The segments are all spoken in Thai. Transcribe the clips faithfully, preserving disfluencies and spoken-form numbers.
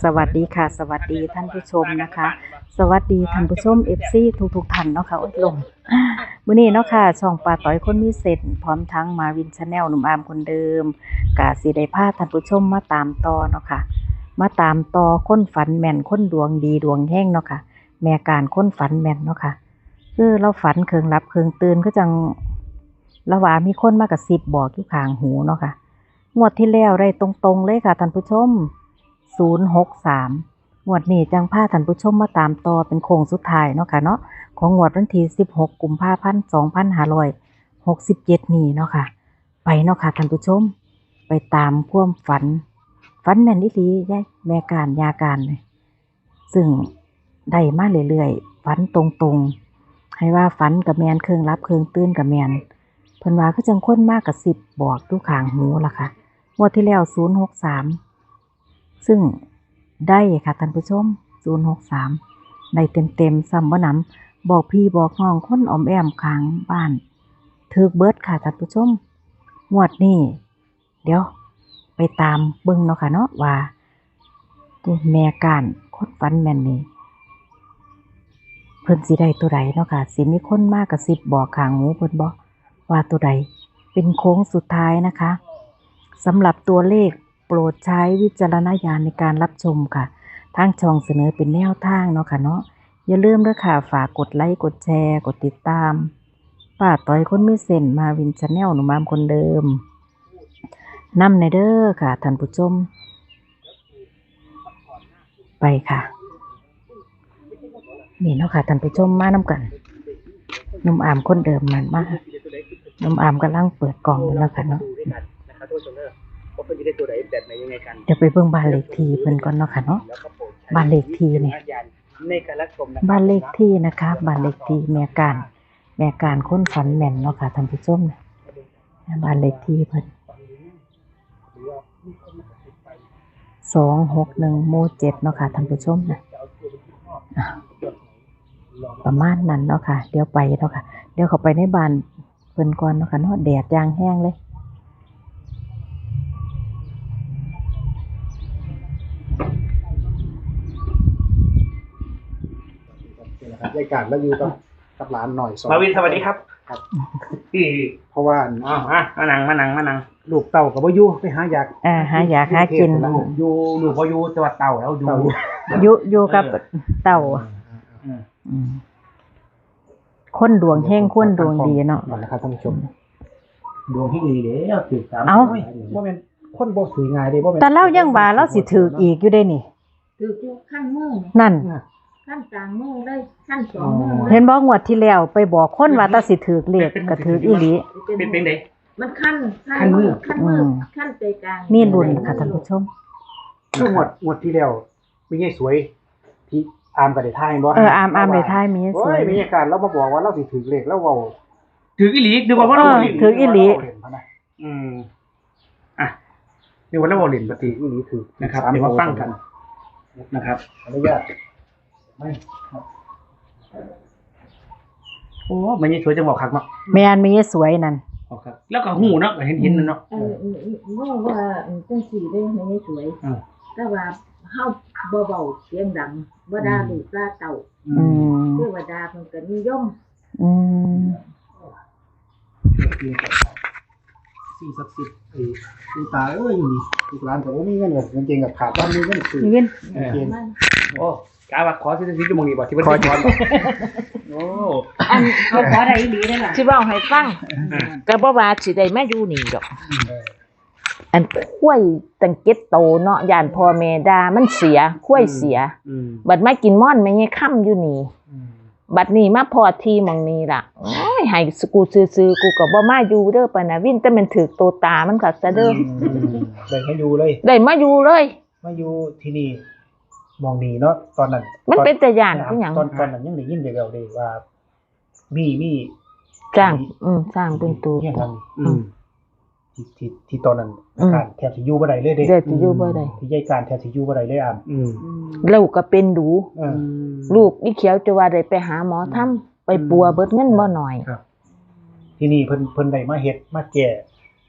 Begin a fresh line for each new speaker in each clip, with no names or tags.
สวัสดีค่ะสวัสดีท่านผู้ชมนะคะสวัสดีท่านผู้ชม เอฟ ซี ทุกทุกท่านเนาะค่ะโอ๊ยลมมื้อนี้เนาะค่ะช่องปาต้อยคนมีเซนส์พร้อมทั้งมาวิน Channel หนุ่มอามคนเดิมก็สิได้พาท่านผู้ชมมาตามต่อเนาะค่ะมาตามต่อคนฝันแม่นคนดวงดีดวงแฮงเนาะค่ะแม่การคนฝันแม่นเนาะค่ะคือเราฝันเคิงหลับเคิงตื่นคือจังละว่ามีคนมากระซิบบอกอยู่ข้างหูเนาะค่ะงวดที่แล้วได้ตรงๆเลยค่ะท่านผู้ชมศูนย์หกสามงวดนี้จังพาท่านผู้ชมมาตามต่อเป็นโค้งสุดท้ายเนาะค่ะเนาะของงวดวันที่สิบหกกุมภาพันธ์สองพันห้าร้อยหกสิบเจ็ดนี้เนาะค่ะไปเนาะค่ะท่านผู้ชมไปตามความฝันฝันแม่นอีหลียายแม่การยาการเลยซึ่งได้มาเรื่อยๆฝันตรงๆให้ว่าฝันกับแมนเครื่องรับเครื่องตื่นกับแมนเพิ่นว่าคือจังคนมากกับสิบบอกทุกข้างหูล่ะค่ะงวดที่แล้วศูนย์หกสามซึ่งได้ค่ะท่านผู้ชมศูนย์หกสามได้เต็มๆซ้ำบ่นำบอกพี่บอกน้องคนอ้อมแอมข้างบ้านถึกเบิดค่ะท่านผู้ชมงวดนี้เดี๋ยวไปตามเบิ่งเนาะค่ะเนาะว่าแม่การคนฝันแม่นนี่เพิ่นสิได้ตัวใดเนาะค่ะสิมีคนมากกระซิบบอกข้างหูเพิ่นบ่ว่าตัวใดเป็นโค้งสุดท้ายนะคะสำหรับตัวเลขโปรดใช้วิจารณญาณในการรับชมค่ะทางช่องเสนอเป็นแนวทางเนาะค่ะเนาะอย่าลืมด้วยค่ะฝากกดไลค์กดแชร์กดติดตามป้าต้อยคนมีเส้นมาวิน Channel หนุ่มอามคนเดิมนำในเด้อค่ะท่านผู้ชมไปค่ะนี่เนาะค่ะท่านผู้ชมมานำกันหนุ่มอามคนเดิมมันมากหนุ่มอามกำลังเปิดกล่องอยู่แล้วค่ะเนาะเดี๋ยวไปเบิ่งบ้านเลขที่เพิ่นก่อนเนาะค่ะเนาะบ้านเลขที่เนี่ยบ้านเลขที่นะคะบ้านเลขที่แม่การแม่การคนฝันแม่นเนาะค่ะท่านผู้ชมบ้านเลขที่เพิ่นสองหกหนึ่งหมู่เจ็ดเนาะค่ะท่านผู้ชมนะประมาณนั้นเนาะค่ะเดี๋ยวไปเนาะค่ะเดี๋ยวเข้าไปในบ้านเพิ่นก่อนเนาะค่ะเนาะแดดยางแห้งเลย
รายการแล้วอยู่กับกับหลานหน่อยสอง
มาวินสวัสดีครับ
ครับ
ที่
เพราะว่า
อ้าวฮะมานั่งมานั่งมานั่ง
ลูกเต่ากับว่าอยู่ไปหาอยาก
อ่าหาอยากหากิน
ลูกอยู่ลูกพออยู่จังหวัดเต่าแล้วอยู่
อยู่อยู่กับเต่าอืมคนดวงแห้งคนดวงดีเนาะ
นะครับท่านผู้ชม
ดวงที่ดีเด้อถือสาม
เอ้า
ว่าเป็นคนบ่ถือง่ายเด้บ่เป็น
แต่เล่ายังว่าเราสิถืออีกอยู่ได้นี่
ถืออยู่ขั้นมือ
นั่น
ขั้นกลางมือเลยขั้นสองมือเลย
เห็นบ่งวดที่แล้วไปบอกคนว่าตาสิถือเลขก็ถืออีหลี
เป็นเป็นได
มันขั้นขั้นมือขั้นมือขั้นใจกลาง
มีรุ่นค่ะท่านผู้ชม
ช่วงงวดงวดที่แล้วมีไงสวยที่อามกับได้ทายบ่
เอออามอามได้ทายมีส
โอ้
วย
ยมีอาการเรามาบอกว่าเราสิถือเลขแล้วเว้า
ถืออีหลีดูว่าว่า
เอ
เรา
อ
หลิน
ถืออีหลี
อืมอ่ะดูว่าเราหลินปกติ
อีหลีถือ
นะครับเดี๋ยวมาฟังกันนะครับ
อนุญาตไม่
โอ้มันยังสวยจังบอกคักเนาะ
แม่นมีสวยนั่น
บอกครับแล้วก็หูเนาะเห็นเห็นเนาะ
เออเออว่าว่าจังสี่ได้ไม่สวย
อ่า
แต่ว่าเฮาเบาๆเสียงดังบ่ด่าลูกด่าเต่า
อืม
เทวดาเพิ่นก็นิยม
อืม
สิ่งศักดิ์สิทธิ์ไอ้ลูกตาเอ้ยอยู่นี่ลูกหลานก็บ่มีเงินเลยจริงๆกับขาดบ้านมีเงินซื้อ
นี่เว้น
เออ
เกณฑ์
มัน
โอ้กาว่าขอสิสิจะมองนี่บ่ที่เพิ่นขอจอนโอ้
อันเขาขอได้อีหลีได้ล่ะ
สิเว้าให้ฟังก็บ่ว่าสิได้มาอยู่นี่ดอก อันข้วยตั้งเก็ดโตเนาะย่านพ่อแม่ด่ามันเสียข้วยเสีย
อืม
บัดมากินม่อนแม่ยายค่ำอยู่นี่
อืม
บัดนี้มาพอที่หม่องนี้ล่ะโอ้ยให้กูซื่อๆกูก็บ่มาอยู่เด้อปะนะวินแต่มันถูกโตตามันคักซะเด้อ
ได้มาอยู่เลย
ได้มาอยู่เลย
มาอยู่ที่นี่มองดีเนาะตอนนั้น
มันเป็นแต่ย่านคือหยัง
ตอนตอนนั้นยังได้ยินเดียวๆเลยว่า มีมี
จ้างอืมสร้างเป็นตัว
เนี่ยนั่น
อืม
ที่ที่ที่ตอนนั้น
อืม
การแทบสิอยู่บ่ได้เลยเด้
เด้อสิอยู่บ่ได้
ที่ยายการแทบสิอยู่บ่ได้เลยอ่ะ
อืม
ลูกก็เป็นดู
เออ
ลูกอีเขียวจะว่าได้ไปหาหมอทำไปปัวเบิดเงินบ่หน่อย
ครับ ที่นี่เพิ่นเพิ่นได้มาเฮ็ดมาแก้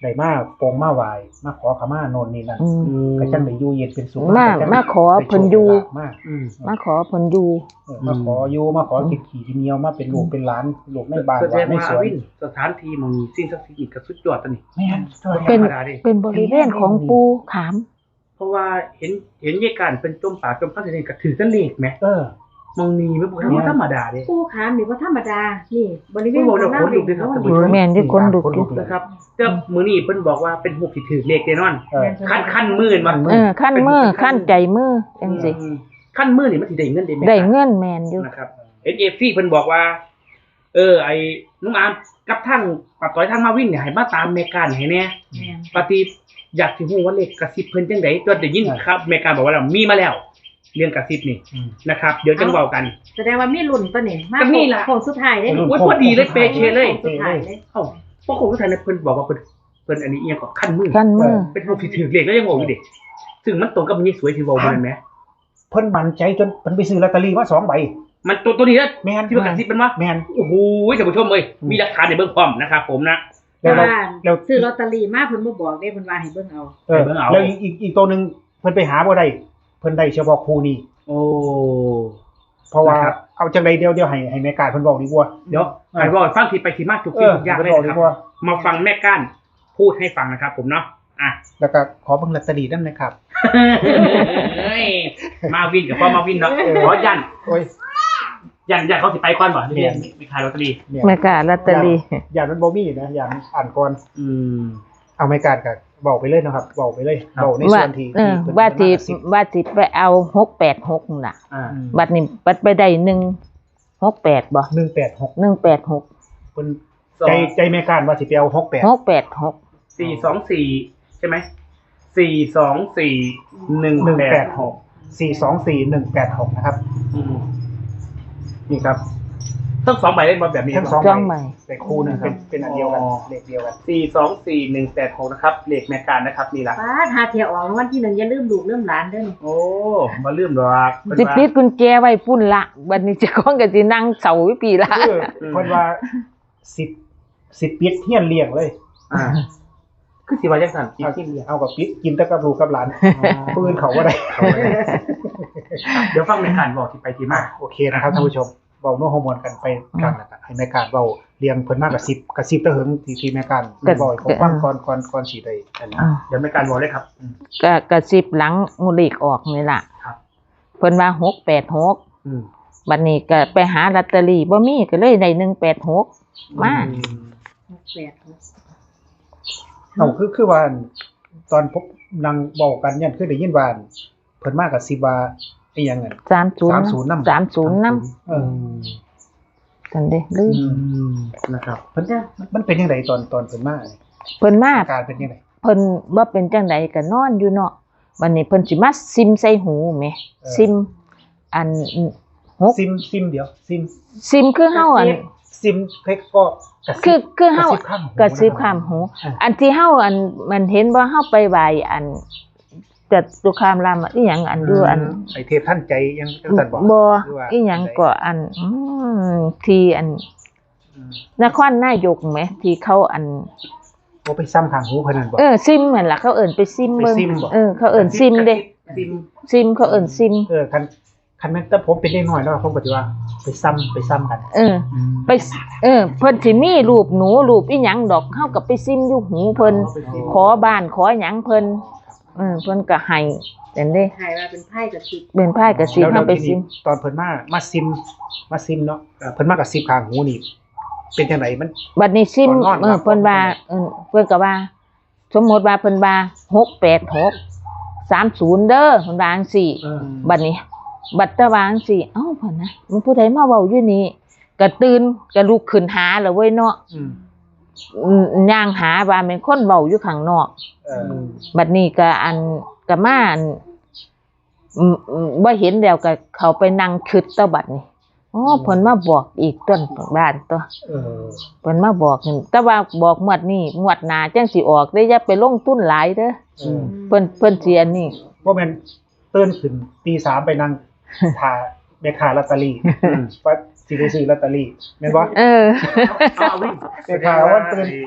ได้มาโปรงมาไหว้มาขอขมาโน่นนี่นั่น
อืม
ก็จังได้อยู่เย็นเป็นสุข
มา
ก็จัง
มาขอ
ได้โชค
เพิ่นอยู่
ได้ลาภมา
อืม
มาขอเพิ่นอยู่
เออมาขออยู่มาขอกินขี่กินเหนียวมาเป็นลูกเป็นหลานลูกในบ้าน
แส
ห
ด
ลาง นใน
ว่า
สวน
วินสถานที่หมองนี้สิ่งศักดิ์สิทธิ์นี่ก็สุดยอดตัวนี้
แม่น
เป็น
ธรรมดาดิ
เป็นบริเวณของปูขาม
เพราะว่าเห็นเห็นยายการเป็นจมป่าจมพันธุ์นี่ก็ถือตะเลขไหม
เออ
มองนี้ไม่บ่ธรรมดาเด้
ผู้ขามนี่บ่ธรรมดา นี่บริเวณ
ผู้บอกเดี๋ยวคนลุกด้วยครับท่านผู้ชม
แม่นที่คนดุอยู่
นะครับเจ้ามื้อนี้เพิ่นบอกว่าเป็นหูกที่ถือเลขแน่นอน
เออ
ขั้นขั้นมื่นมัน
เออขั้นมือขั้นใจมือจังซี่
ขั้นมื่นนี่มันสิได้เงินได้ไหม
ได้เงินแม่นอยู่
นะครับ เอ็น เอฟ ซี เพิ่นบอกว่า เออ ไอ้น้องอามกับทางปัดต่อยทางมาวิ่งเนี่ยให้มาตามแม่การให้แน่
แม่น
ปฏิอยากสิฮู้ว่าเลขกระซิบเพิ่นจังได๋ตัวได้ยินครับแม่การบอกว่าแล้วมีมาแล้ว เรื่องกระซิบนี่
อืม
นะครับ เดี๋ยวจังเว้ากัน
แสดงว่ามีรุ่นตัวนี้มา
ก็นี่ล่ะ
โค้งสุดท้ายเด้
โอ้ยพอดีเลยเปเคเลย
โค้งสุดท้ายเลย
เอ้าเพราะคงทุกท่านเนี่ยเพิ่นบอกว่าเพิ่นเพิ่นอันนี้อีหยังก็ขั้นมือ
ขั้นมือ
เป็นหูกที่ถือเลขแล้วยังโง่อยู่ดิซึ่งมันตรงกับมันยี่สวยที่เว้าบ่นั่นแหม
เพิ่นมั่นใจจนเพิ่นไปซื้อลอตเตอรี่มาสองใบ
มันตัวตัวนี้นะ
แม่น
ที่มันกระซิบเป็นว่า
แม่น
โอ้โหท่านผู้ชมเอ้ยมีหลักฐานในเบื้องพร้อมนะครับผมนะ
แล้วเรา
ว่า
แล้ว
ซื้อลอตเตอรี่มาเพิ่นบ่บอกเด้เพิ่นว่าให้เบิ่งเอา
เออ
ไปเบิ่งเอา
แล้วอีกอีกอีกตัวหนึงเพิ่นไปหาบ่ได้เพิ่นได้เฉพาะครูนี้
โอ้
เพราะว่า
นะครับ
เอาจังไดเดียวเดียวให้ให้แม่การเพิ่นบอกดีกว่า
เดี๋ยวไอ้บอกฟังทีไปทีมาทุก
เอ
สิ่ง
อ
ทุกอย่าง
เพิ่น
เลย
บอก
นะ
ดี
ครับ
กว่า
มาฟังแม่ก้านพูดให้ฟังนะครับผมเนาะอ่ะ
แล้วก็ขอเบิ่งลอตเตอรี่นำนะครับ
เฮ้ยมาวินกับพ่อมาวินเนาะขอยัน
โอ้ย
ยันยันเขาสิไปก่อนบ่ที่
เรียน
มีขายลอตเตอรี่
เนี่ย
แม่กาลอตเตอรี่
อย่ามันบ่มีนะอย่าอ่านก่อน
อืม
เอาแม่การก็บอกไปเลยนะครับบอกไปเลย
ครับ
บอกใน
ว่า
ส่วนที่
เออ
ที่เพิ่น
ว่าสิ
มกระซิบ
ว่าสิไปเอาหกแปดหกน่ะ
อ่า
อืม
บัดนี้บัดไปได้หนึ่งหกแปดบ่
หนึ่งแปดหก
หนึ่งแปดหก
เพิ่น
สอ
ใจ
ง
ใจแม่การว่าสิไปเอาหกแปด
หกแปดหก
สี่สองสี่ใช่ไหมสี่สองสี่หนึ่ง
หนึ่ง
แป
แป
ด
ดหกสี่สองสี่หนึ่งแปดหกนะครับ
อืม
นี่ครับ
ทั้งสองใบเล่นบอลแบบนี้
ทั้งสอง
จ้องใหม่
แต่คู่หนึงเป็นเป็นอันเดียวกันเลขเดียวกัน
สี่สองสี่หนึ่งแปดหกนะครับเลขแมการนะครับนี่ละ
ป้าหาเที่ยวออกวันที่หนึ่งอย่าลืมลูกลืมหลานเด้อนี่
โอ้มาลืมดอกเพิ่น
สิ
ว่า
ปิดกุญแจไว้พุ่นละบัดนี้เจะของก็สินั่งเสาวิปีละ
คือเพิ่นว่าสิบสิบปิดเฮียนเลี้ยงเลย
อ่าคือสิว่าจังซั่นกินที่เรียก
เอากับปิดกินแต่กับลูกกับหลานปืนเขาบ่ได้
เดี๋ยวฟังแมการบอกที่ไปที่มา
โอเคนะครับท่านผู้ชมเว้าโน้ฮอร์โมนกันไปกันแล้วก็ให้แม่การเว้าเลี้ยงเพิ่นมากกับสิบกับสิบตะเหิงที่ที่แม่การ
ก็
บ่อยเขาฟังก่อนก่อนก่อนสิได้อันนี้
อ่า
เดี๋ยวแมการบอกเลยครับ
ก็กระซิบหลังงูหลีกออกนี่ล่ะ
ครับ
เพิ่นว่าหกแปดหก
อืม
บัดนี้ก็ไปหาลอตเตอรี่บ่มีก็เลยได้หนึ่งแปดหกมา
หกแปดหก
เอาคือคือว่าตอนพบนางเว้ากันยันคือได้ยินว่าเพิ่นมากับสิบว่าอีหยังนั่น
สามศูนย์
สามศูนย์นำ
สามศูนย์น
เออ
ำกันเด้ลืม
อืมนะครับ
เพิ่นมันเป็นจังไดตอนตอนเพิ่นมาเนี่ย
เพิ่นมา
อาการเป็นจังได
เพิ่นบ่เป็นจังไดก็นอนอยู่เนาะวันนี้เพิ่นสิมาซิมใส่หูแหมซิม อันหก
ซิมซิมเดียวซิม
ซิมคือเฮาอัน
ซิมเพ็กก็กระซิบ
คือคือเฮาก
ระซิบข้างหู
กระซิบข้ามหู
อ่า
อันที่เฮาอันมันเห็นบ่เฮาไปไหว้อันจัตุคามรามอีหยังอันอยู่อัน
ไอเทพท่านใจยังจังซั่นบ่
บ่
หรือว่า
อีหยังก็อันอืมที่อัน
อืม
นครนายกแหมที่เขาอัน
บ่ไปซ้ำข้างหูเพิ่นนั่นบ่
เออซิมเหมือนล่ะเขาเอิ้นไปซิมเบิ่ง
ไปซิมบ่
เออเขาเอิ้นซิมเด้
ซิม
ซิมเขาเอิ้นซิม
เออคันคันแม่นแต่ผมเป็นเด็กน้อยเนาะผมก็สิว่าไปซ้ำไปซ้ำกัน
เออ ไปเออเพิ่นสิมีรูปหนูรูปอีหยังดอกเฮาก็ไปซิมอยู่หูเพิ่นขอบ้านขอหยังเพิ่นเออเพิ่นก็ให้จังเด้
ถ่ายว่าเป็นไพ่กับสิบ
เป็นไผก็สิ
แล้ว
เฮาไป
ที
ซิ
นี้
ม
ตอนเพิ่นมามาซิมมาซิมเนาะเพิ่นมากับซิมข้างหูนี่เป็นจังไดมัน
บัดนี้ซิม
ก่อนนอน
เออเพิ่นว่าเออเพิ่นก็ว่า สมมุติว่าเพิ่นว่าหกแปดหก สามศูนย์เด้อเพิ่นว่าจังซี่
เออ
บัดนี้ บัดตะวาจังซี่เอ้าเพิ่นนะมันผู้ใดมาเว้าอยู่นี่ก็ตื่นก็ลุกขึ้นหาแล้วเว้ยเนาะ
อืม
อืมย่างหาว่าเป็นคนเว้าอยู่ข้างนอก
เออ
บัดนี้ก็อันก็มาอันอืมอืมบ่เห็นแล้วก็เขาไปนั่งคิดตะบัดนี้อ๋อเพิ่นมาบอกอีกต้นบ้านตัว
เออ
เพิ่นมาบอกนี่แต่ว่าบอกงวดนี้งวดหน้าจังสิออกเด้ออย่าไปลงทุนหลายเด้อ
เออ
เพิ่นเพิ่นสิอันนี้
บ่แม่นตื่นขึ้นตีสามไปนั่งท่าแม่ค้าลอตเตอรี่ว่าสิได้ซื้อลอตเตอรี่แม่นบ่
เออ
เอาวิ่ง
แม่ค้าว่าตื่น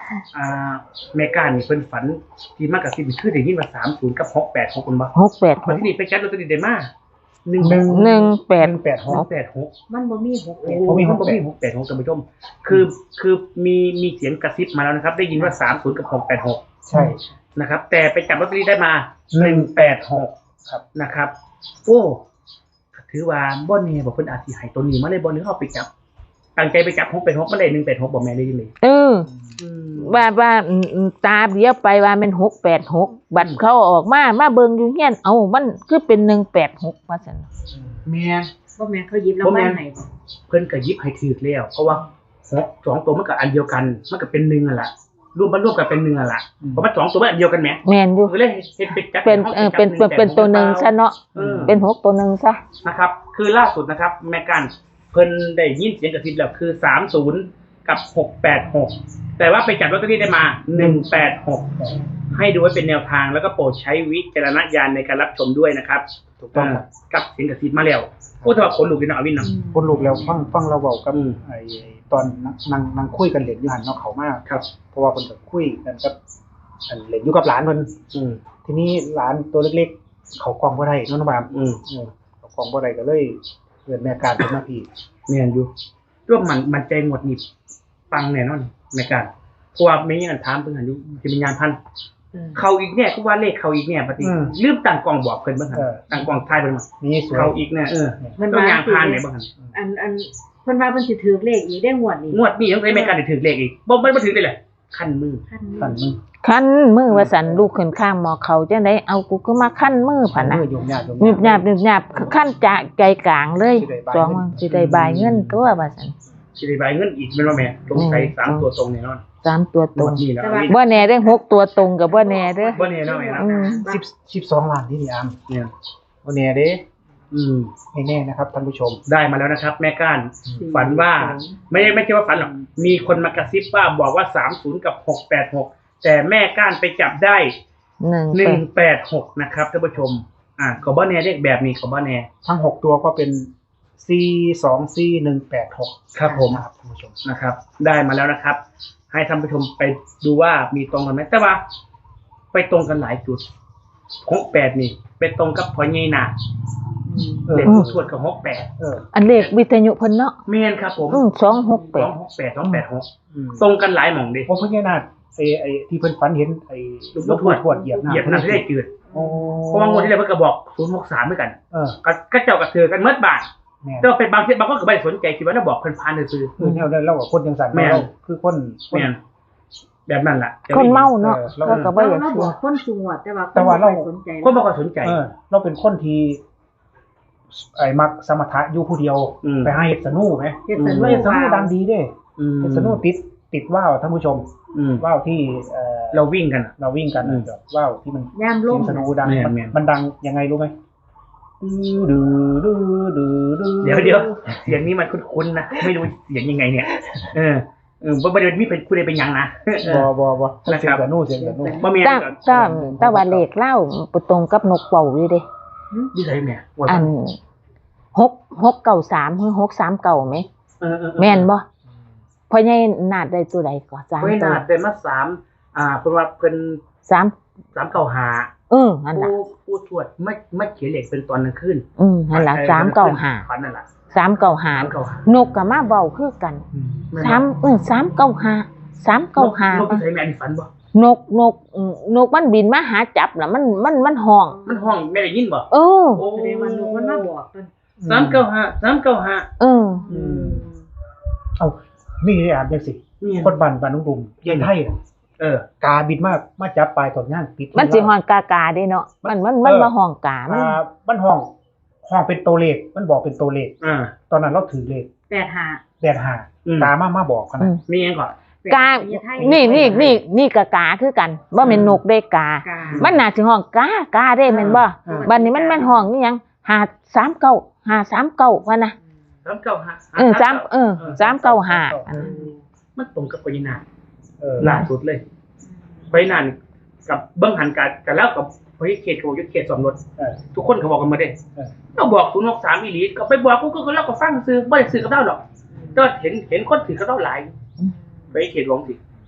อ่าแม่ก้านี่เพิ่นฝันที่มากกับสิบคือได้ยินว่าสามศูนย์กับหกแปดหกคนบ่
หกแปดห
วัน
ก
ที่นี่ไปจัดลอตเตอรี่ได้มาหนึ่ง
หนึ่ง
หนึ่งแปด
หนึ่งแปดห
ห
ก
กแปดหก
มันบ่มีหก
โอ้
แปด
ผมมี
ห
ห
ก
ก
แปด
มีหกแปดหกท่านผู้ชมคือคือมีมีเสียงกระซิบมาแล้วนะครับ ได้ยินว่าสามศูนย์กับหกแปดหก
ใช่
นะครับ แต่ไปจับลอตเตอรี่ได้มา
หนึ่งแปดหก ครับ
นะครับโอ้ถือว่าบ่แน่บอกเพิ่นอาจสิให้ตัวนี้มาเลยบ่หรือเอาไปจับตั้งใจไปจับหกแปดหกมาได้หนึ่งแปดหกบ่แม่นได้ยินเลย
เออ
อืม
ว่าว่าอืมอืมตาเบี้ยไปว่ามันหกแปดหกบัตรเขาออกมามาเบิ่งอยู่เฮียนเอามันคือเป็นหนึ่งแปดหกว่าซั่น
แม่น
บ่แม่นเขาหยิบรางวัลให้บ่
เพิ่นก็หยิบให้ถือแล้วเพราะว่าหกสองตัวมันก็อันเดียวกันมันก็เป็นหนึ่งอ่ะล่ะรวมมันรวมกันเป็นหนึ่งอ่ะล่ะเพราะมันสองตัวมันอันเดียวกันแหม
แม่นอยู่
ก็เลยเฮ็ดเป็นจับ
เป็นเออเป็นเป็นเป็นตัวหนึ่งซะเนาะ
เออ
เป็นหกตัวหนึ่งซะ
นะครับ คือล่าสุดนะครับแม่กันเพิ่นได้ยินเสียงกระซิบแล้วคือสามสิบกับหกแปดหกแต่ว่าไปจับลอตเตอรี่ได้มาหนึ่งแปดหกให้ดูไว้เป็นแนวทางแล้วก็โปรดใช้วิจารณญาณในการรับชมด้วยนะครับ
ถูกต้องครับ
กับเสียงกระซิบมาแล้วโอ้แต่ว่าขนลุกเลยเนาะอวินเนาะ
คนลูกแล้วฟังฟังเราเว้ากับ
อืม
ไอ้ตอนนั่งนั่งคุยกันเล่นอยู่หั่นเนาะเขามา
ครับ
เพราะว่าเพิ่นก็คุยกันกับอันเล่นอยู่กับหลานเพิ่น
อืม
ทีนี้หลานตัวเล็กๆ เขากล้องบ่ได้เนาะน้องบาม
อืม
เออเขากล้องบ่ได้ก็เลยเกิดแม่การขึ้นมาพี่
เมียนอยู่ร่วมมันมันใจหมดนี่ปังแน่นอนในการเพราะว่าไม่มีอันถามเพิ่นหันอยู่จะมีงานพัน
เออ
เขาอีกเนี่ยก็ว่าเลขเขาอีกเนี่ยปฏิลืมตั้งกล่องบอกเพิ่นเบิ่งหั่นตั้งกล่องทายเพิ่นมา
นี่สวย
เขาอีกเนี่ยเออ
เพิ่น
ต้อง
ว่า
ยางพานเนี่ยเบิ่งหั่น
อันอันเพิ่นว่าเพิ่นสิถือเลขอีกได้งวดนี้
งวดนี้ต้องใช้แม่การได้ถือเลขอีกบ่บ่ถือได้เลยคันมือ
คัน
ขันมือ
คันมือว่าสันลูกขึ้นข้างหมอเขาจังไดเอากูก็มาคันมือผ่นนะ
มือโยมญาติโยม
หนึบหยาบหนึบหยาบคันจะใจกลางเลยสองวันสิได้บายเงินตัวว่าสัน
สิได้ใบเงินอีกแม่นบ่แม่ตรงใส่สามตัวตรงแน่นอน
สามตัวต
ง
ร
ว
ง
ดนี้แล้ว
บ่แน่ได้หกตัวตรงกับบ่แน่เด้อ
บ่แน่เนาะแม่เนาะ
อืม
สิบสิบสองล้านนี่นี่อาม
เนี่ย
วันนี้เด้
อืม
ไม่แน่นะครับท่านผู้ชม
ได้มาแล้วนะครับ แม่ก้านฝันว่าไม่ไม่ใช่ว่าฝันหรอกมีคนมากระซิบว่าบอกว่าสามสิบกับหกแปดหกแต่แม่ก้านไปจับได้
หนึ่ง
ห
แป
นึ่ง
ด
แปดหกนะครับท่านผู้ชม อ่าขอบ่แน่เลขแบบนี้ขอบ่แน่
ทั้งหกตัวก็เป็น C สอง C หนึ่งแปดหก
ครับผม
นะครับท่านผู้ชม
นะครับ ได้มาแล้วนะครับ ให้ท่านผู้ชมไปดูว่ามีตรงกันไหมแต่ว่า ไปตรงกันหลายจุดหกแปดนี่ไปตรงกับพอใหญ่นา
เออ
เลขทวดกับหกแปด
เออ
อันเลขวิทยุเพิ่นเนาะ
เมนครับผม
อืมสองหกแป
สอ
ด
งหกแปดสองแปดหก
อืม
ตรงกันหลายหม่องดิ
ผมเพิ่งแค่นาดไอ้ไอ้ที่เพิ่นฝันเห็นไอ้
ลูกทวด
ทวดเหยียบน้ำ
เหยียบน้ำที่ได้จืด
โอ้
เพราะว่างวดที่แล้วเพิ่นก็บอกศูนย์หกสามด้วยกัน
เออ
ก็ก็เจ้ากับเธอกันเมื่อบาท
แม่น
แต่ว่าเป็นบางทีบางคนก็ไม่ได้สนใจคิดว่าเราบอกเพิ่นพานซื่อ
คือแนวนั้นเรากับคนจังสัน
แม่น
เราคือคน
ๆแม่นแบบนั้นล่ะ
คนเมาเนาะ
เออเรา
เขาก็บ่อยาก
เราบ
เชื่
อ
อก
คนสูงวัดแต่ว่า
แต่ว่าเรา
คนบ่สนใจ
คนบ่ค่อยสนใจ
เออเราเป็นคนที่ไอ้มักสมถะอยู่ผู้เดียว
อืม
ไปให้เฮ็ดสนุไหม
เฮ็ดสนุ
เฮ็ดสนุดังดีเด้
อืม
เฮ็ดสนุติดติดว่าวท่านผู้ชม
อืม
ว่าวที่เอ่อ
เราวิ่งกันอะ
เราวิ่งกัน
อืม
แบบว่าวที่มัน
ยามล
เสีย
ง
งสนุดัง
แม่น
มัน
แม่น
มันดังยังไงรู้ไหมดื้อดื้อดื้อดื้อ
เดี๋ยวเดี๋ยวเสียงนี้มันคุ้นๆนะไม่รู้เสียงยังไงเนี่ย เออเออบ่บ่ได้มีเป็นผู้ใดเป็นหยังนะเอ
บ่
อ
บ่บ่
นะ
เสี
ค
ย
รั
ง
บ
สนุเสียงสนุ
บ่มี
ตาตาตาว่าเลขเล่าไปตรงกับนกเป่าอยู่เด้
ดีใจแม่ว่า
อันหกหกเก้าสามหรือหกสามเก้าไหม
เออเออ
แม่นบ่พ่อใหญ่นาดได้ตัวใดก็สาม
เพิ่น
ตัว
น่าได้มาสามอ่าเพิ่นว่าเพิ่น
สาม
สามเก้าหา
เออนั่นล่ะ
ผู้ผู้ทวดไม่ไม่เขียนเลขเป็นตอนกลางคืน
อืมนั่นล่ะสามเก้าห้า
ฝันนั่นล่ะ
สามเก้าห้า
สามเก้าห้าน
กก็มาเว้าคือกัน
แม่นบ่
สามเออสามเก้าห้าสามเก้าห้าน
กที่ใส่แม่อันนี้ฝันบ่
นกนกอืมนกมันบินมาหาจับน่ะมันมันมันห้อง
มันห้องแม่ได้ยินบ่
เออ
โอ้
แสดงว่าลูกมันมาบอกเพิ่น
สามเก้าห้าสามเก้าห้า
เออ
อืม
เอ้ามีได้อ่านจังสิ
เนี่ย
คนบ้านบ้านนุ่งดุมยายไทยน่ะ
เออ
กาบินมากมาจับปลายตอนย่างติด
มันสิห้องกากาเด้เนาะมันมันมันมาห้องกามัน
อ่ามันห้องห้องเป็นตัวเลขมันบอกเป็นตัวเลข
อ่า
ตอนนั้นเราถือเลข
แปดห้า
แดดหา
อืม
กามามาบอกข
อื
นาด
ม
มีหยังก่อน
กา นี่นี่นี่นี่กากาคือกันบ่แม่นนกเด้กา
กา
มันน่าสิห้องกากาเด้แม่นบ่บัดนี้มันมันห้องนี่หยังห้าสามเก้าห้าสามเก้าว่านะ
สามเก้าห้า
เออสามเออสามเก้าห้าอันนั้น
มันตรงกับปรินา
เออ
ล่าสุดเลยปรินานกับเบิ้งหันกันกันแล้วกับเฮ้ยเขตโกยุทธเขตสมรส
เออ
ทุกคนเขาบอกกันมาเด้
เออ
เราบอกศูนย์หกสามอีหลีก็ไปบอกกูก็ก็เล่าก็ฟังซื้อไม่ได้ซื้อกับเราหรอกก็เห็นเห็นคนถือกับเราหลายไปเขตวงสิ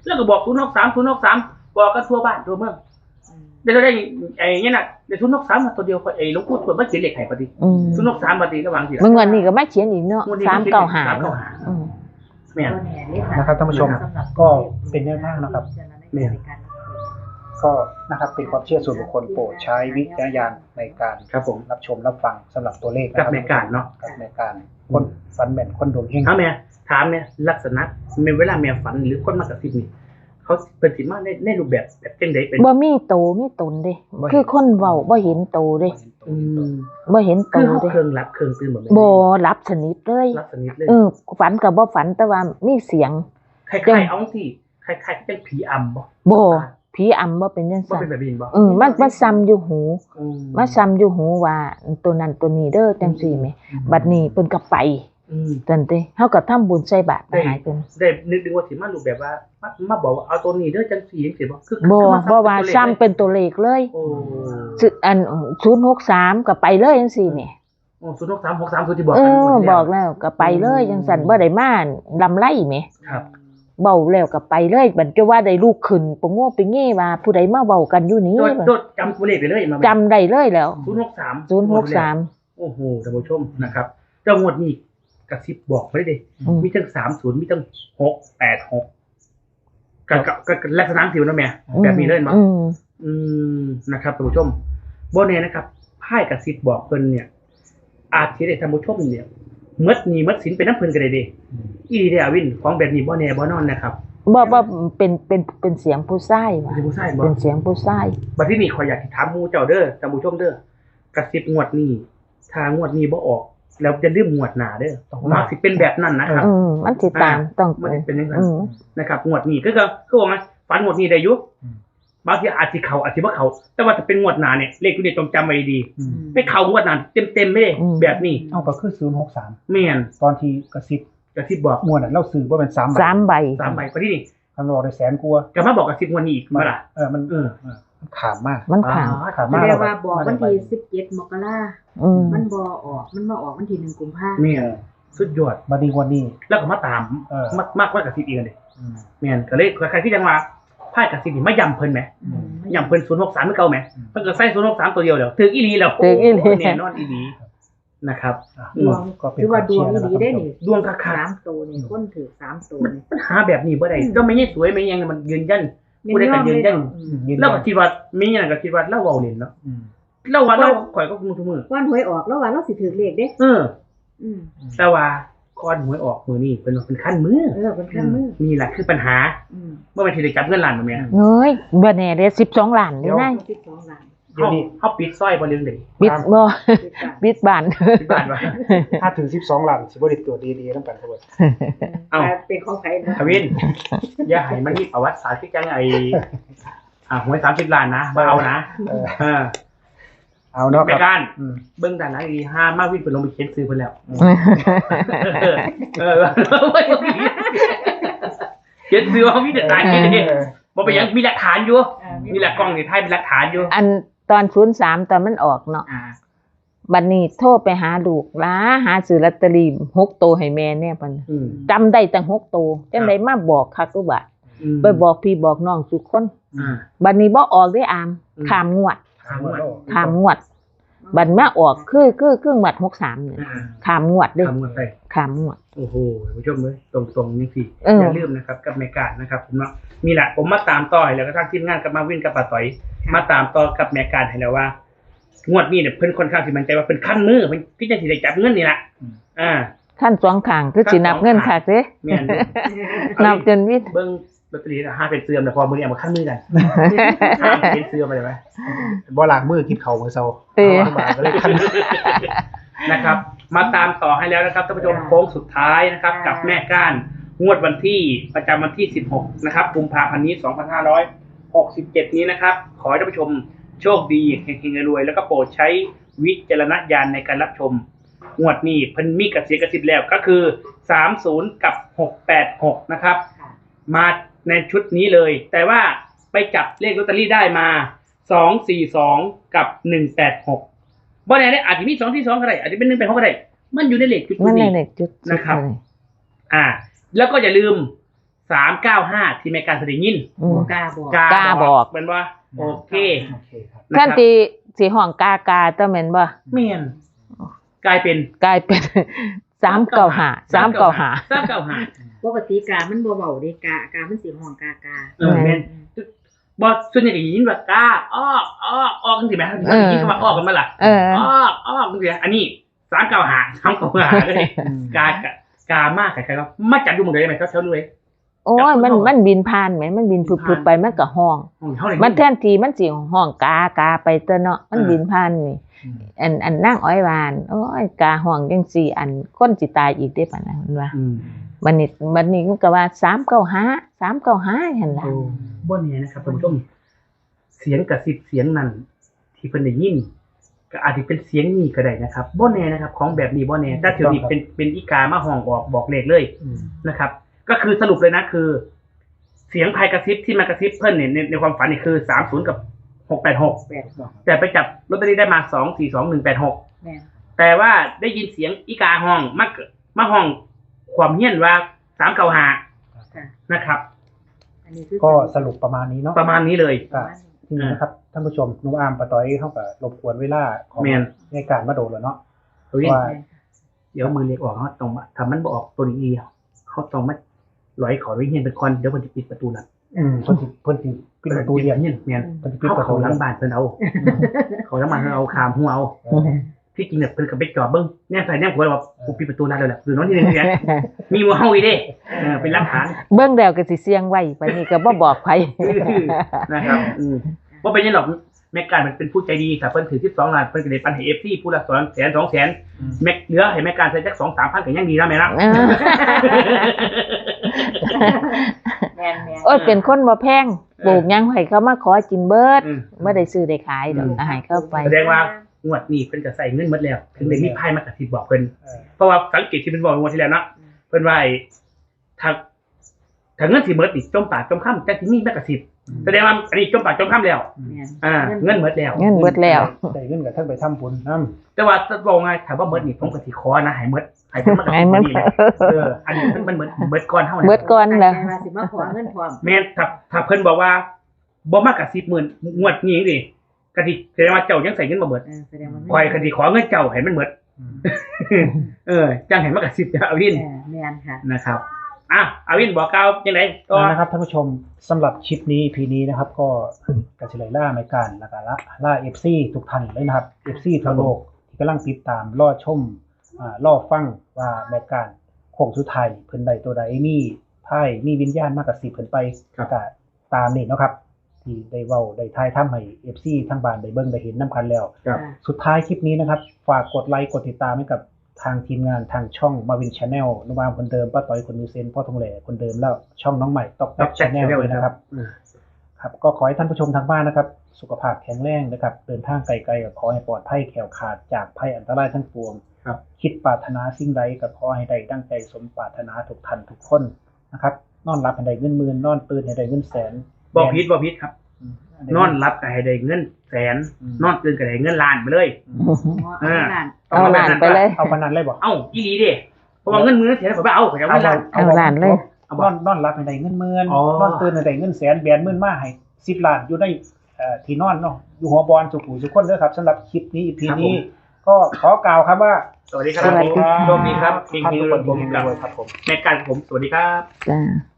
แล้วก็บอกศูนย์หกสามศูนย์หกสามบอกกันทั่วบ้านทั่วเมืองเดี๋ยวได้ไอ้เนี่ยน่ะเดี๋ยวศูนย์หกสามมาตัวเดียวไอ้หลวงปู่ทวดมาเขียนเลขให้พอดี
อืม
ศูนย์หกสามพอดีระหว่างสิ
เมื่อวันนี้ก็มาเขียนอีกเนาะสามเก้าหา
สามเก้าหา
อืม
แม่น
นะครับท่านผู้ชมก็เป็นแนวทางนะครับ
แม่น
ก็นะครับเป็นความเชื่อส่วนบุคคลโปรดใช้วิจารณญาณในการ
ครับผม
รับชมรับฟังสำหรับตัวเลขนะค
กั
รั
บบ แม่การเนาะ
กับแม่การคนฟันแม่นคนดวงเฮง
ถามแม่ถามเนี่ยลักษณะแม่เวลาแม่ฝันหรือคนมากระซิบนี่เขาเป็นสิมาในในรูปแบบแบบจังไดเป็น
บ่มีโตมีตนเด้คือคนเว้าบ่เห็นโตเด้
อืม
บ่เห็นโต
คือเขา
เด้
เครื่องรับเครื่องตื่นเหมือน
บ่รับสนิทเลย
รับสนิทเลย
เออฝันก็บ่ฝันแต่ว่ามีเสียง
คล้ายๆเอาที่คล้ายๆจังผีอำบ่
บ่ผีอำบ่เป็นจัง
บ่
ซั่น
เป็นแบบนี้บ่
เออมันมันซ้ำอยู่หู
อืม
มาซ้ำอยู่หูว่าตัวนั้นตัวนี้เด้อจังซี่แหมบัดนี้เพิ่นก็ไป
อืม
จังเด้เฮาก็ทำบุญใส่บาตรไปหาเพิ่น
ได้นึกดึงว่าสิมารูปแบบว่ามามาบอกว่าเอาตัวนี้เด้อจังซี่จังซี่บ่คือ
บ่
คือ
บ่ว่าซ้ำ
เป็น
เป็นตัวเลขเลย
โอ้
ซึ่งอันศูนย์หกสามก็ไปเลยจังซี่แหม
โอ้ศูนย์หกสามหกสามศูนย์ที่บอก
เอ
กัน
อ
หมด
บอกแล้วก็ไปเลยจังซั่นบ่ได้มาลำไรแหม
ครับ
เว้าแล้วก็ไปเลยบัดจะว่าได้ลูกขึ้นปะโง่ไปงี้ว่าผู้ใดมาเว้ากันอยู่นี้
โดดโดดจำตัวเลขไปเลยมา
จำได้เลยแล้ว
ศูนย์หกสาม
ศูนย์หกสาม
โอ้โหท่านผู้ชมนะครับเจ้างวดนี้กระซิบบอกไว้เลย
อืม
มีทั้งสามศูนย์มีทั้งหกแปดหกกับกับกับลักษณะสิวนะแม่แบบนี้เลยมั้ง
อืม
อืมนะครับท่านผู้ชมโบเน่นะครับไพ่กระซิบบอกเพิ่นเนี่ย อาจสิได้ท่านผู้ชมเนี่ยเมื่อนี้เมื่อสินเป็นน้ำเพิ่นก็ได้เด้อีเดียวินของแบบนี้บ่แน่บ่นอนนะครับ
บ่บ่เป็นเป็นเป็นเสียงผู้ชายว่ะ
เป็นผู้ชายบ่
เป็นเสียงผู้ชาย
บัดที่นี่ขอยอยากสิถามหมู่เจ้าเด้อท่านผู้ชมเด้อกระซิบงวดนี้ถ้างวดนี้บ่ออก แล้วจะลืมงวดหน้าเด้อมักสิเป็นแบบนั้นนะครับ
อืมมันสิตามต้อง
มันสิเป็นจังซั่น
อืม
นะครับงวดนี้ก็คือคือว่าไงฝันงวดนี้ได้อยู่บางทีอาจสิเข้าอาจสิบ่เข้าแต่ว่าถ้าเป็นงวดหน้าเนี่ยเลขตัวนี้ต้องจำไว้ดี
อืม
ไม่เข้างวดหน้าเต็มๆไม่ได้แบบนี้
เอาก็คือศูนย์หกสาม
แม่น
ตอนที่กระซิบ
กระซิบบอก
มวนอ่ะเราซื้อว่าเป็นสามใบ
สามใบ
สามใบพอที่นี่
คำนวณได้แสนกลัวา
จะมาบอกกระซิบงวดนี้อีกมาล่ะ
เออมัน
เออ
เออมันขามมาก
มันขาง
ขาม
แส
มาก
ดงว่าบอกวันที่สิบเจ็ดมกรา
อืม
มันบ่ออกมันมาออกวันที่หนึ่งกุมภาพันธ์
แม่นสุดยอด
มาดีวันนี้
แล้วก็มาตาม
เออ
มากมากกว่ากระซิบอีกอันเด้
อืม
แม่นก็เลยใครที่จังว่าไพ่กระซิบนี่มาย้ำเพิ่นแหม
อืม
ย้ำเพิ่นศูนย์หกสามเหมือนเก่าแหม
อืม
เพิ่นก็ใส่ศูนย์หกสามตัวเดียวแล้วถึงอีหลีแล้ว
ถึงอีหลี
โแน่นอนอีหลีนะครับ
อ่ะ
อืม
ดวง
ก็เป็น
คือว่าดวง
ความเชื่อ
ดีได้
นะครับ
นี่
ดวงคัก
สามตัวนี่คนถือสามตัว
ๆมัน
นี่
ปัญหาแบบนี้บ่ได้ก็ไม่ใช่สวยไม่ยังมันยืนยัน ผู้ใดก็ยืนยัน
อืมยืน
เรา
ยั
ก็
น
คิดว่ามีอย่างก็คิดว่าเราเว้าเล่นเนาะ
อืม
เราว่าเราข่อยก็คงทุกมือ
วันหวยออกแล้วว่าเราสิถือเลขเด้
เออ
อืม
แต่ว่าก่อนหวยออกมือนี่เป็นว่าเป็นขั้นมือ
เออเป็นเครื่องมือ
นี่แหละคือปัญหา
อืม
เมื่อวันที่ได้จับเงินล้านบ่แม่
เฮ้ยบ่แน่เด้สิบสองล้านนี่นาย
สิบสองล้าน
เดี๋ยว
เฮา
นี้
เฮาปิดซอยบ่เรื่องใด
บิดบ่
สิบล้าน
บิดบ้าน
ปิดบ้านว่า
ถ้าถึงสิบสองล้านสิบ่ได้ตัวดีๆนำกันทั้งหมด
เอ้า
แต่เป็นของใครนะ
ทวินอย่าให้มันมีประวัติศาสตร์ที่จังไอ้อ่าหวยสามสิบล้านนะบ่เอานะ
เออ
เออ
เอาเนาะ
ไป
ครับ
กัน
อืม
เบิ่งด้านหลังดีห้ามาวินเพิ่นลงไปเขียนซื้อเพิ่นแล้ว เออเออเขียนซื้อว่ามีแต่ตายเขียนเอง
เออ
บ่เป็นหยังมีหลักฐานอยู่
เออ
มีหลักกล้องนี่ถ่ายเป็นหลักฐานอยู่
อันตอนศูนย์สามตอนมันออกเนาะ
อ่า
บัดนี้โทรไปหาลูกล้าหาซื้อลอตเตอรี่หกตัวให้แม่แน่ปัน
อืม
จำได้ตั้งหกตัวจังไดมาบอกคักกูบ่า
อืม
ไปบอกพี่บอกน้องทุกคน
อ่า
บัดนี้บ่ออกได้อาม
อืม
ขามงวด
ถามว่า
ขามงวด บัดมาออกคือคือคืองวดหกสามนี่
อ่า
ขามงวดเด้อ
ถามว่าไป
ขามงวด
โอ้โหผู้ชมเลยตรงๆนี่สิ
เออ
อ
อ
ย่าลืมนะครับกับแม่การนะครับผมเนาะมีแหละผมมาตามต่อให้แล้วก็ทางทีมงานกับมาวินกับป้าต่อย มาตามต่อกับแม่การให้แล้วว่า งวดนี้เนี่ยเพิ่นค่อนข้างสิมั่นใจว่าเพิ่นคั้นมือเพิ่นที่จะสิได้จับเงินนี่ล่ะอ่า
ขั้นสองข้างคือสินับเงินคักเด้
แม่นอยู่
นับจนวิทย์
เบิ่งลอตเตอรี่น่ะห้าเป็นเสื่อมแต่พอมื้อนี้เอามาคั้นมือกันห้าเป็นเสื่อมไปเลยไหม
บ่ล้างมือกินข้าวมื้อเช้า
เออ
เอามาก็เลยคัน
นะครับ มาตามต่อให้แล้วนะครับท่านผู้ชมโค้งสุดท้ายนะครับ กับแม่ก้านงวดวันที่ประจำวันที่สิบหกนะครับกุมภาพันธ์นี้สองพันห้าร้อยหกสิบเจ็ดนี้นะครับ ขอให้ท่านผู้ชมโชคดีเฮงๆรวยๆแล้วก็โปรดใช้วิจารณญาณในการรับชมงวดนี้เพิ่นมีกระเสียกระสิบแล้วก็คือสามสิบกับหกแปดหกนะครับ
ค่ะ
มาในชุดนี้เลย แต่ว่าไปจับเลขลอตเตอรี่ได้มาสองสี่สองกับหนึ่งแปดหกบ่แน่ๆอาจจะมีสองที่สองก็ได้อาจจะเป็นหนึ่งแปดหกก็ได้มันอยู่ในเลขชุด
มันใน
นี้
เด็กจุด
นะครับ อ่า แล้วก็อย่าลืมสามเก้าห้าที่แม่การแสดงยิน
อืม
กล้าบอก
กาก
ล้าบอก
เป็นว่าโอเค
โอเคครับ
นะ
ท่าน
ครับ
ที่สิห้องกากาตะแม่นบ่
เมียนกลายเป็น
กลายเป็น สามเก้าห้า สามเก้าห้า
สามเก้าห้า
ปกติกามันบ่เว้าเด้กากามันสิห้องกากา
เออแม่นบอส่วนใหญ่ก็ยินว่ากาออกออกออกจังซี่แม่ถ้ายินก็ว่าออกกันมาล่ะ
เออ
ออกออกจังซี่อันนี้สามเก้าห้า สามเก้าห้าก็ได้กากะกามากใครๆก็มาจับดูหมดเลยไหมเขาเท่าเลย
โอ้ยมันมันบินผ่านไหมมันบินพุบๆไปมันก็ห้อง
เท่าไหร่
มันแทนที่มันสิห้องกากาไปเตอเนาะมันบินผ่านนี่
อืม
อันอันนั่งอ้อยวานโอ้ยกาห้องจังซี่อันคนสิตายอีกได้ปานนั้นมันว่า
อืม
บัดนี้บัดนี้มันก็ว่าสามเก้าห้า สามเก้าห้าหั่นล่ะ
โอ้บ่แน่นะครับท่านผู้ชมเสียงกระซิบเสียงนั้นที่เพิ่นได้ยินก็อาจจะเป็นเสียงนี้ก็ได้นะครับบ่แน่นะครับ ของแบบนี้บ่แน่แต่เดี๋ยวนี้เป็นเป็นอีกามาห้องบอกบอกเลขเลย
อืม
นะครับ ก็คือสรุปเลยนะคือ เสียงภายกระซิบที่มากระซิบเพิ่นเนี่ยในในความฝันนี่คือสามสิบกับหกแปดหก
แปดบอก
แต่ไปจับลอตเตอรี่ได้มาสองสี่สองหนึ่งแปดหก
แม่น
แต่ว่าได้ยินเสียงอีกาห้องมามาห้องความเฮี้ยนว่าสามเก้าห้า
ค่ะ
นะครับ
อันนี้คือ
ก็สรุปประมาณนี้เนาะ
ประมาณนี้เลย
ก็ทีนี้นะครับท่านผู้ชมหนูอามปะต้อยเข้ากับรบกวนเวลาของ
แม่น
ในการมาโดนแล้วเนาะ
เฮ้ย
ว่า
เดี๋ยวมือเล็กออกเขาต้องมาทำมันบออกตัวนี้เขาต้องมาลอยขอไว้เฮียนเป็นคอนเดี๋ยวมันจะปิดประตูหลัง
อืมเพิ่นสิเพิ่นสิปิดประตูเรียน
เฮียนเมียน
เพิ่นสิปิด
เขา
ประตู
เขาห
ห
ลั
ลั
ง
ง
บ้านเพิ่นเอาเขาหลังบ้านเพิ่นเอาคามหัวเอา
อืม
ที่จริงเนี่ยเพิ่นก็ไปจอดเบิ้งแน่ใส่แน่หัวเราว่ากูปิดประตูร้านแล้วแหละหรือน้องที่หนึ่งเนี่ยมีหัวเฮาอีเด้เออเป็นหลักฐาน
เบิ่งแล้วก็สิเสียงไว้บัดนี้ก็บ่บอกไผ
นะครับอืมว่าเป็นยังหรอกแม็กการมันเป็นผู้ใจดีแต่เพิ่นถือสิบสองล้านเพิ่นก็ได้ปันให้ เอฟ ซี ผู้ละสองแสนสองแสนแม็กเหลือให้แม็กการใช้จัก สองสามพันก็ยังดีนะแม่นะ
เออ
แม่นแม่น
โอ้ยเป็นคนบ่แพงปลูกหยังให้เขามาขอกินเบิด
อืม
บ่ได้ซื้อได้ขายดอก
อืม
อาหารเข้าไป
แสดงว่า งวดนี้เพิ่นก็ใส่เงินหมดแล้ว ถึงได้มีไพ่มากระซิบบอกเพิ่น
เออ
เพราะว่าสังเกตที่เพิ่นบอกงวดที่แล้วเนาะเพิ่นว่าไอ้ถ้าถ้าเงินสิหมดนี่จมปากจมค่ำแต่สิมีแม่กระซิบแสดงว่าอันนี้จมปากจมค่ำแล้ว
แม่น
อ่าเงินหมดแล้ว
เงินเบิดแล้ว
ได้เงินกับท่านไปทำบุญนำ
แต่ว่าถ้าบอกไงถามว่าหมดนี่ผมก็สิขอนะให้หมดให้เพิ่นมากระ
ให้
ซิบ
มัน
นี่นะเอออันนี้มันมันเหมือนเบิดก่อนเฮานะ
เบิดก่อนแล้ว
ตั้งใจว่าสิมาขอเงินพร้อม
แม่นถ้าถ้าเพิ่นบอกว่าบ่มากกว่าสิบหมื่นงวดนี้ดิกะสิแสดงว่าเจ้ายังใส่เงินบ่หมด
เออแสดงว่า
คอยกะสิขอเงินเจ้าให้มันหมด
อืม
เออจังให้มากกว่าสิบเอาวิน
เออแม่นค่ะ
นะครับอ่ะเอาวินบอกกล่าวจังได๋ก็
นะครับท่านผู้ชมสำหรับคลิปนี้ อี พี นี้นะครับ ก็กระเฉลยล่าในการแล้วก็ละล่า เอฟ ซี ทุกท่านเลยนะครับ เอฟ ซี ทั่วโลกที่กำลังติดตามรอชมอ่ารอฟังว่าในการโค้งสุดท้ายเพิ่นใดตัวใดมีไพ่มีวิญญาณมากกว่าสิบเพิ่นไปก็ตามนี่เนาะครับ ที่ได้เว้าได้ทายทำให้ เอฟ ซี ทั้งบ้านได้เบิ่งได้เห็นนํกันแล้ว
ครับ
สุดท้ายคลิปนี้นะครับ ฝากกดไลค์กดติดตามให้กับทางทีมงานทางช่องมาวินชาแนลนุบามคนเดิมป้าต้อยคนยูเซนพ่อทองแหล่คนเดิมแล้วช่องน้องใหม่ตอกแต
ตอก กแจ็
ชา
ค
แนล
Channel
ด้วยนะครับครับก็ขอให้ท่านผู้ชมทางบ้านนะครับ สุขภาพแข็งแรงนะครับเดินทางไกลๆก็ขอให้ปลอดภัยแคล้วขาดจากภัยอันตรายทั้งปวง
ครับ
คิดปรารถนาสิ่งใดก็ขอให้ได้ดังใจสมปรารถนาทุกท่านทุกคนนะครับนอนหลับให้ได้เงินหมื่นนอนตื่นให้ได้เงินแสน
บ่ผิดบ่ผิดครับ
อืม
นอนรับก็ให้ได้เงินแสน
อืม
นอนตื่นก็ได้เงินล้านไปเลย
อ๋อเอาหลาน
เอาหลานไปเลย
เอาปานนั้นเลยบ่
เอ้าอีหลีเด้เพราะว่าเงินมื้อเสียผมบ่เอาขอยเอาเงินล้าน
เอาหลานเลย
เอา
น
บ่
อนนอนหลับให้ได้เงินหมื่น
อ๋อ
นอนตื่นให้ได้เงินแสนแบนหมื่นมาให้สิบล้านอยู่ในเอ่อที่นอนเนาะอยู่หัวบอลสุขุสุขคนเด้อครับสำหรับคลิปนี้ อี พี นี้ ก็ขอกล่าวครับว่า
สวัสดีครับ
สวัสดีครับ
โชคดีครับ
ท่านทุกคน
ผม
เฮง
กับ
ๆรวยครับผม
แม่การผมสวัสดีครับ
จ้า